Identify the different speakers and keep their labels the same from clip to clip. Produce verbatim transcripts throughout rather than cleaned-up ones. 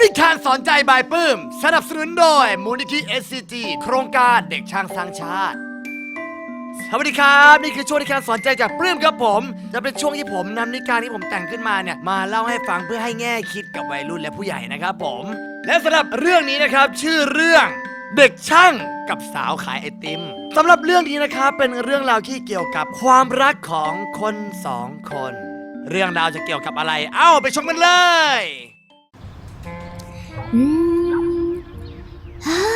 Speaker 1: นิทานสอนใจบายปื้มสนับสนุนโดยมูลนิธิ เอส ซี จี โครงการเด็กช่างสร้างชาติสวัสดีครับนี่คือช่วงนิทานสอนใจจากปลื้มครับผมจะเป็นช่วงที่ผมนำนิทานที่ผมแต่งขึ้นมาเนี่ยมาเล่าให้ฟังเพื่อให้แง่คิดกับวัยรุ่นและผู้ใหญ่นะครับผมและสำหรับเรื่องนี้นะครับชื่อเรื่องเด็กช่างกับสาวขายไอติมสำหรับเรื่องนี้นะครับเป็นเรื่องราวที่เกี่ยวกับความรักของคนสองคนเรื่องราวจะเกี่ยวกับอะไรเอ้าไปชมกันเลย
Speaker 2: อืมฮ่า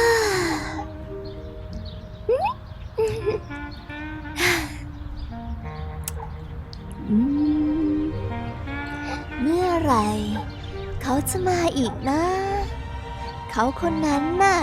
Speaker 2: อืมเมื่อไหร่เขาจะมาอีกนะเขาคนนั้นน่ะ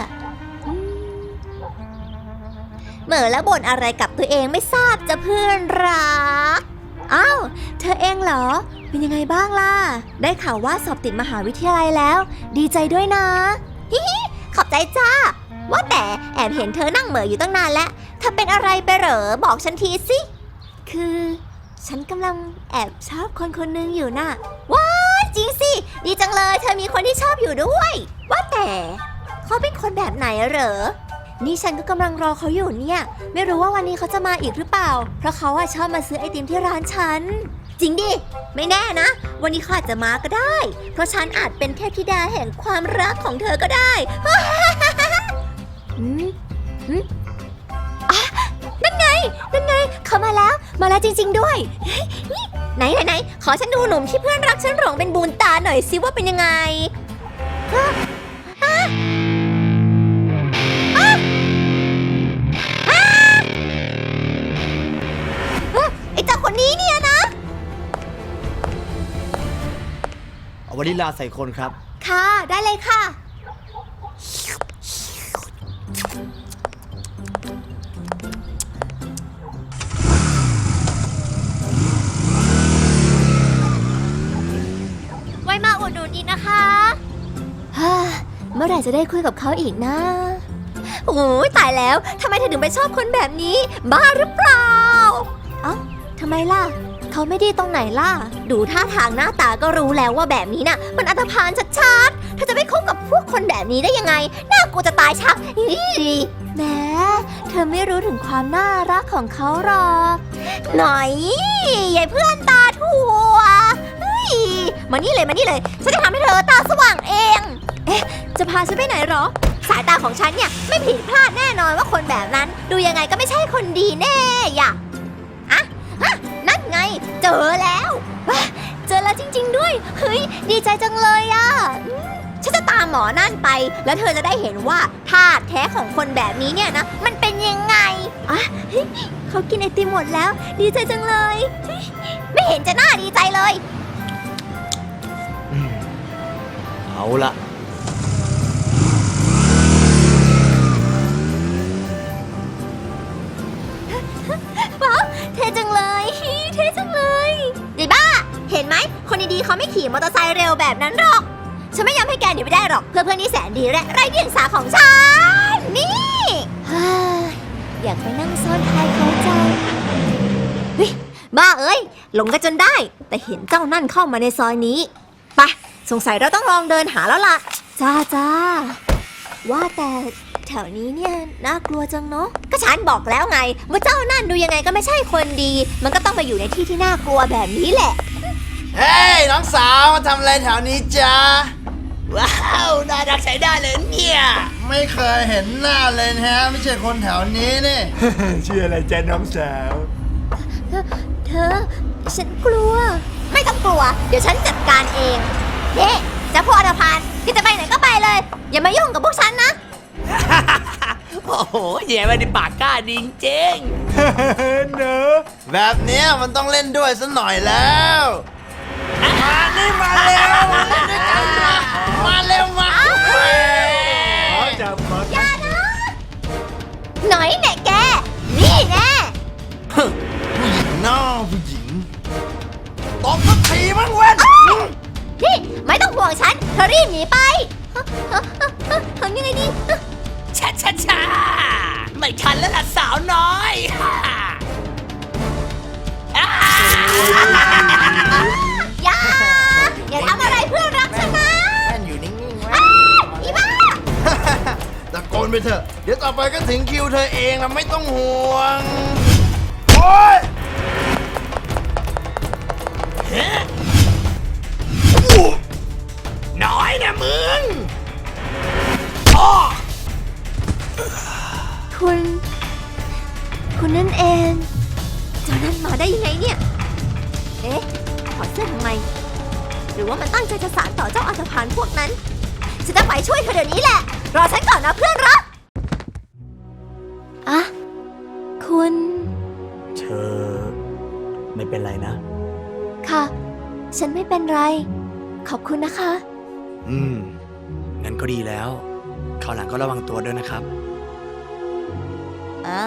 Speaker 2: เหม่อแล้วบ่นอะไรกับตัวเองไม่ทราบจะเพื่อนรักอ้าวเธอเองเหรอเป็นยังไงบ้างล่ะได้ข่าวว่าสอบติดมหาวิทยาลัยแล้วดีใจด้วยนะฮิฮิขอบใจจ้าว่าแต่แอบเห็นเธอนั่งเหม่ออยู่ตั้งนานแล้วเธอเป็นอะไรไปเหรอบอกฉันทีสิคือฉันกำลังแอบชอบคนคนหนึงอยู่น่ะว้าจริงสิดีจังเลยเธอมีคนที่ชอบอยู่ด้วยว่าแต่เขาเป็นคนแบบไหนเหรอนี่ฉันก็กำลังรอเขาอยู่เนี่ยไม่รู้ว่าวันนี้เขาจะมาอีกหรือเปล่าเพราะเขาอะชอบมาซื้อไอติมที่ร้านฉันจริงดิไม่แน่นะวันนี้เขาอาจจะมาก็ได้เพราะฉันอาจเป็นเทพธิดาแห่งความรักของเธอก็ได้อืมอืมอ่ะนั่นไงนั่นไงเขามาแล้วมาแล้วจริงๆด้วยไหนไหนไหนขอฉันดูหนุ่มที่เพื่อนรักฉันหลงเป็นบุญตาหน่อยสิว่าเป็นยังไงอ่ะอ่ะไอ้เจ้าคนนี้เนี่ยนะ
Speaker 1: เอาวานิลาใส่คนครับ
Speaker 2: ค่ะได้เลยค่ะไว้มาอุดหนุนอีกนะคะฮ่าเมื่อไหร่จะได้คุยกับเขาอีกนะโอ้ยตายแล้วทำไมเธอถึงไปชอบคนแบบนี้บ้าหรือเปล่าเอ้าทำไมล่ะเขาไม่ดีตรงไหนล่ะดูท่าทางหน้าตาก็รู้แล้วว่าแบบนี้น่ะมันอันธพาลชัดๆเธอจะไปคบกับพวกคนแบบนี้ได้ยังไงน่ากลัวจะตายชักแหมเธอไม่รู้ถึงความน่ารักของเขาหรอกหน่อยยายเพื่อนตาถั่วเฮ้ยมานี่เลยมานี่เลยฉันจะทำให้เธอตาสว่างเองเอ๊ะจะพาฉันไปไหนหรอสายตาของฉันเนี่ยไม่ผิดพลาดแน่นอนว่าคนแบบนั้นดูยังไงก็ไม่ใช่คนดีแน่อย่าอะอะนั่นไงเจอแล้วเจอแล้วจริงๆด้วยเฮ้ยดีใจจังเลยอ่ะฉันจะตามหมอนั่นไปแล้วเธอจะได้เห็นว่าธาตุแท้ของคนแบบนี้เนี่ยนะมันเป็นยังไงอ่ะเขากินไอติมหมดแล้วดีใจจังเลยไม่เห็นจะน่าดีใจเลย
Speaker 1: เอาละ
Speaker 2: ว้าวเท่จังเลยเท่จังเลยไอ้บ้าเห็นไหมคนดีๆเขาไม่ขี่มอเตอร์ไซค์เร็วแบบนั้นหรอกฉันไม่ยอมให้แกหนีไปได้หรอกเพื่อเพื่อนที่แสนดีและไร้เดียงสาของฉันนี่อยากไปนั่งซ้อนท้ายเขาจังเฮ้ยบ้าเอ้ยหลงกันจนได้แต่เห็นเจ้านั่นเข้ามาในซอยนี้ไปสงสัยเราต้องลองเดินหาแล้วล่ะจ้าจ้าว่าแต่แถวนี้เนี่ยน่ากลัวจังเนาะก็ฉันบอกแล้วไงว่าเจ้านั่นดูยังไงก็ไม่ใช่คนดีมันก็ต้องไปอยู่ในที่ที่น่ากลัวแบบนี้แหละ
Speaker 1: เฮ้ยน้องสาวมาทำอะไรแถวนี้จ๊ะว้าวน่ารักใช้ได้เลยเนี่ย
Speaker 3: ไม่เคยเห็นหน้าเลยฮะไม่ใช่คนแถวนี้นี่
Speaker 1: ชื่ออะไรจ๊ะน้องสาว
Speaker 2: เธอเธอฉันกลัวไม่ต้องกลัวเดี๋ยวฉันจัดการเองเฮ้จะพวกอันธพาลที่จะไปไหนก็ไปเลยอย่ามายุ่งกับพวกฉันนะ
Speaker 1: โอ้โหแย่ไปในปากกล้าดิงเจ๊ง
Speaker 3: เนอะแบบเนี้ยมันต้องเล่นด้วยสักหน่อยแล้วมานี่มาเร็วมาเล่นด้วยกันมามาเร็วมา
Speaker 2: จับมาอย่านะหน่อยแน่แกนี่แน่
Speaker 3: ผู้หญิงน้าผู้หญิงตบสักทีมั้งเว้น
Speaker 2: นี่ไม่ต้องห่วงฉันเธอรีบหนีไปทำยังไงดี
Speaker 1: ช้าช้าช้าไม่ทันแล้วล่ะสาวน้อย
Speaker 2: อย่าอย่าทำอะไรเพื่อนรักฉันนะ
Speaker 3: อยู่นิ่งๆไว้ไปเถอะ เดี๋ยวต่อไปก็ถึงคิวเธอเองนะไม่ต้องห่วง โอ๊ยเฮ้น้อยนะมึงอ้อ
Speaker 2: คุณ คุณนั่นเองเจ้านั่นมาได้ยังไงเนี่ย เอ๊ะถอดเสื้อทำไม หรือว่ามันตั้งใจจะสานต่อเจ้าอัศพานพวกนั้น ฉันจะไปช่วยเธอเดี๋ยวนี้แหละ รอฉันก่อนนะเพื่อนรักอะคุณ
Speaker 1: เธอไม่เป็นไรนะ
Speaker 2: ค่ะ ฉันไม่เป็นไร ขอบคุณนะคะ
Speaker 1: อืม งั้นก็ดีแล้วคราวหลังก็ระวังตัวด้วยนะครับ
Speaker 2: อ่า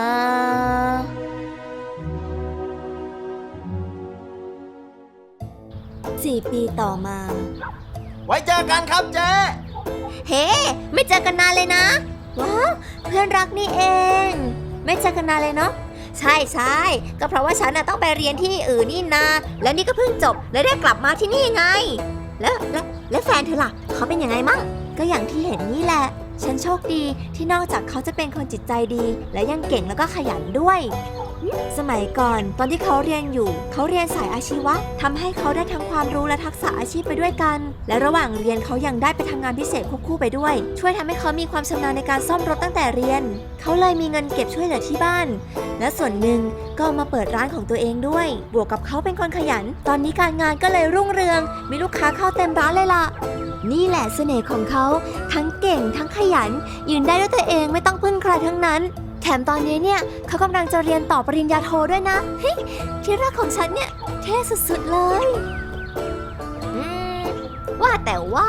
Speaker 2: สี่ปีต่อมา
Speaker 3: ไว้เจอกันครับเจ๊
Speaker 2: เฮ้ ไม่เจอกันนานเลยนะ ว้าว เพื่อนรักนี่เอง ไม่เจอกันนานเลยเนาะ ใช่ใช่ก็เพราะว่าฉันน่ะต้องไปเรียนที่อื่นนี่นา แล้วนี่ก็เพิ่งจบ แล้วได้กลับมาที่นี่ไง แล้วแล้วแล้วแฟนเธอล่ะ เขาเป็นยังไงมั่ง ก็อย่างที่เห็นนี่แหละ ฉันโชคดีที่นอกจากเขาจะเป็นคนจิตใจดี และยังเก่งแล้วก็ขยันด้วย สมัยก่อนตอนที่เขาเรียนอยู่ เขาเรียนสายอาชีวะทำให้เขาได้ทั้งความรู้และทักษะอาชีพไปด้วยกัน และระหว่างเรียนเขายังได้ไปทำงานพิเศษควบคู่ไปด้วย ช่วยทำให้เขามีความชำนาญในการซ่อมรถตั้งแต่เรียน เขาเลยมีเงินเก็บช่วยเหลือที่บ้าน และส่วนหนึ่งก็เอามาเปิดร้านของตัวเองด้วย บวกกับเขาเป็นคนขยัน ตอนนี้การงานก็เลยรุ่งเรือง มีลูกค้าเข้าเต็มร้านเลยล่ะ นี่แหละเสน่ห์ของเขาทั้งเก่งทั้งขยัน ยืนได้ด้วยตัวเองไม่ต้องพึ่งใครทั้งนั้น แถมตอนนี้เนี่ยเขากำลังจะเรียนต่อปริญญาโทด้วยนะเฮ้ยที่รักของฉันเนี่ยเท่สุดๆเลยอืมว่าแต่ว่า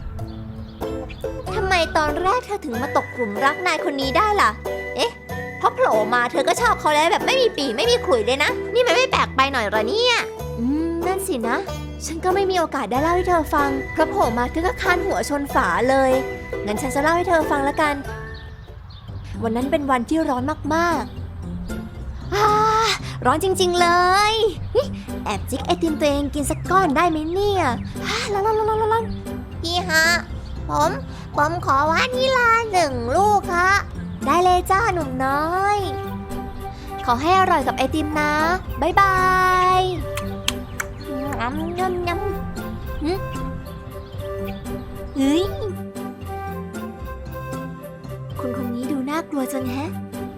Speaker 2: ทำไมตอนแรกเธอถึงมาตกกลุ่มรักนายคนนี้ได้ล่ะ เอ๊ะเพราะโผล่มาเธอก็ชอบเขาแล้วแบบไม่มีปีไม่มีขลุ่ยเลยนะ นี่มันไม่แปลกไปหน่อยเหรอเนี่ยอืมนั่นสินะ ฉันก็ไม่มีโอกาสได้เล่าให้เธอฟังเพราะโผล่มาเธอก็คานหัวชนฝาเลยงั้นฉันจะเล่าให้เธอฟังละกันวันนั้นเป็นวันที่ร้อนมากๆอ่าร้อนจริงๆเลยแอบจิกไอติมตัวเองกินสักก้อนได้ไหมเนี่ยอ่าร้อนร้อนร้อนร้อนพี่ฮะผมผมขอวานิลาหนึ่งลูกฮะได้เลยจ้าหนุ่มน้อยขอให้อร่อยกับไอติมนะบ๊ายบายยำยำยำฮึเฮ้ยคุณคนนี้ดูน่ากลัวจังแฮะ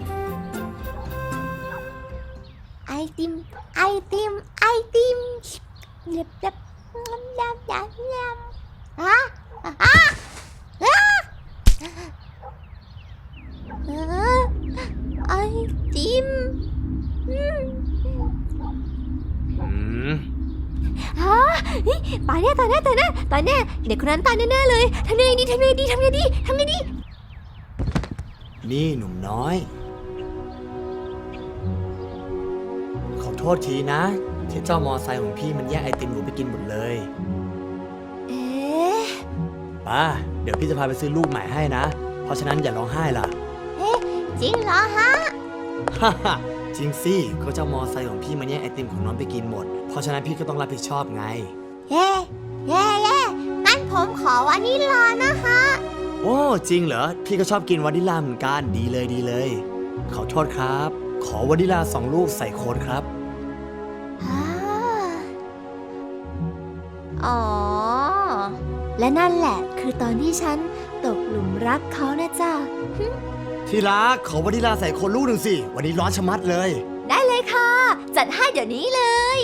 Speaker 2: ไอติมไอติมไอติมเล็บเล็บยำยำยำยำฮะฮะฮะไอติมอืม
Speaker 1: อืม
Speaker 2: ฮะตายแน่ตายแน่ตายแน่ตายแน่เด็กคนนั้นตายแน่ๆเลยทำยังไงดีทำยังไงดีทำยังไงดีทำยังไงดี
Speaker 1: นี่หนุ่มน้อย ขอโทษทีนะ ที่เจ้ามอไซค์ของพี่มันแย่งไอติมหนูไปกินหมดเลย
Speaker 2: เอ๊ะ
Speaker 1: ป้า เดี๋ยวพี่จะพาไปซื้อลูกใหม่ให้นะ เพราะฉะนั้นอย่าร้องไห้ล่ะ
Speaker 2: จริงเหรอฮะ
Speaker 1: ฮ่าฮ่าจริงสิก็เจ้ามอไซค์ของพี่มันแย่งไอติมของน้องไปกินหมด เพราะฉะนั้นพี่ก็ต้องรับผิดชอบไง
Speaker 2: เย่เย่เย่งั้นผมขอวานิลานะฮะ
Speaker 1: โอ้จริงเหรอ พี่ก็ชอบกินวานิลลาเหมือนกันดีเลยดีเลย ขอโทษครับ ขอวานิลลาสองลูกใส่โค้ดครับ
Speaker 2: อ่าอ๋อ และนั่นแหละคือตอนที่ฉันตกหลุมรักเขานะจ๊ะ
Speaker 1: ที่รักขอวานิลลาใส่โค้ดลูกหนึ่งสิวันนี้ร้อนชะมัดเลย
Speaker 2: ได้เลยค่ะ จัดให้เดี๋ยวนี้เลย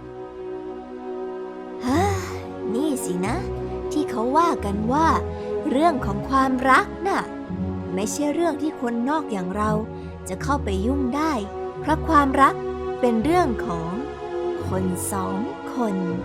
Speaker 2: ฮ่านี่สินะ ที่เขาว่ากันว่า เรื่องของความรักน่ะ ไม่ใช่เรื่องที่คนนอกอย่างเราจะเข้าไปยุ่งได้ เพราะความรักเป็นเรื่องของคนสองคน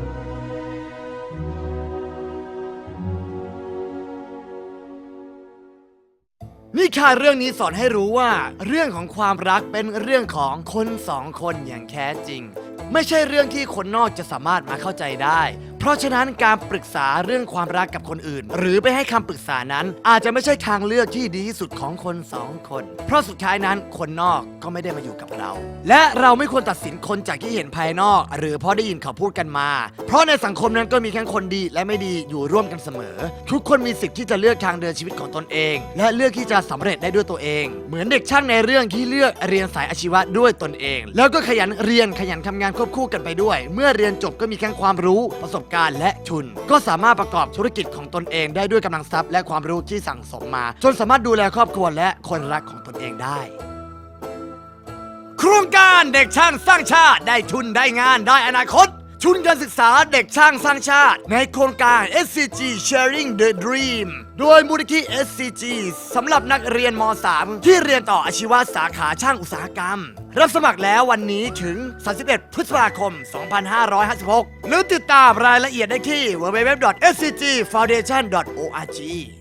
Speaker 1: นี่ค่ะเรื่องนี้สอนให้รู้ว่า เรื่องของความรักเป็นเรื่องของคนสองคนอย่างแท้จริง ไม่ใช่เรื่องที่คนนอกจะสามารถมาเข้าใจได้ เพราะราะฉะนั้นการปรึกษาเรื่องความรักกับคนอื่น หรือไปให้คำปรึกษานั้น อาจจะไม่ใช่ทางเลือกที่ดีที่สุดของคนสองคน เพราะสุดท้ายนั้นคนนอกก็ไม่ได้มาอยู่กับเรา และเราไม่ควรตัดสินคนจากที่เห็นภายนอก หรือเพราะได้ยินเขาพูดกันมา เพราะในสังคมนั้นก็มีทั้งคนดีและไม่ดีอยู่ร่วมกันเสมอ ทุกคนมีสิทธิ์ที่จะเลือกทางเดินชีวิตของตนเอง และเลือกที่จะสำเร็จได้ด้วยตัวเอง เหมือนเด็กช่างในเรื่องที่เลือกเรียนสายอาชีวะด้วยตนเอง แล้วก็ขยันเรียนขยันทำงานควบคู่กันไปด้วย เมื่อเรียนจบก็มีทั้งความรู้ประสบการณ์และทุน ก็สามารถประกอบธุรกิจของตนเองได้ด้วยกำลังทรัพย์และความรู้ที่สั่งสมมา จนสามารถดูแลครอบครัวและคนรักของตนเองได้ โครงการเด็กช่างสร้างชาติได้ทุนได้งานได้อนาคตทุนการศึกษาเด็กช่างสร้างชาติในโครงการ เอส ซี จี Sharing the Dream โดยมูลนิธิ เอส ซี จี สำหรับนักเรียนม .สาม ที่เรียนต่ออาชีวะสาขาช่างอุตสาหกรรม รับสมัครแล้ววันนี้ถึง สามสิบเอ็ด พฤษภาคม สองพันห้าร้อยห้าสิบหก หรือติดตามรายละเอียดได้ที่ ดับเบิลยู ดับเบิลยู ดับเบิลยู ดอท เอส ซี จี ฟาวเดชั่น ดอท โอ อาร์ จี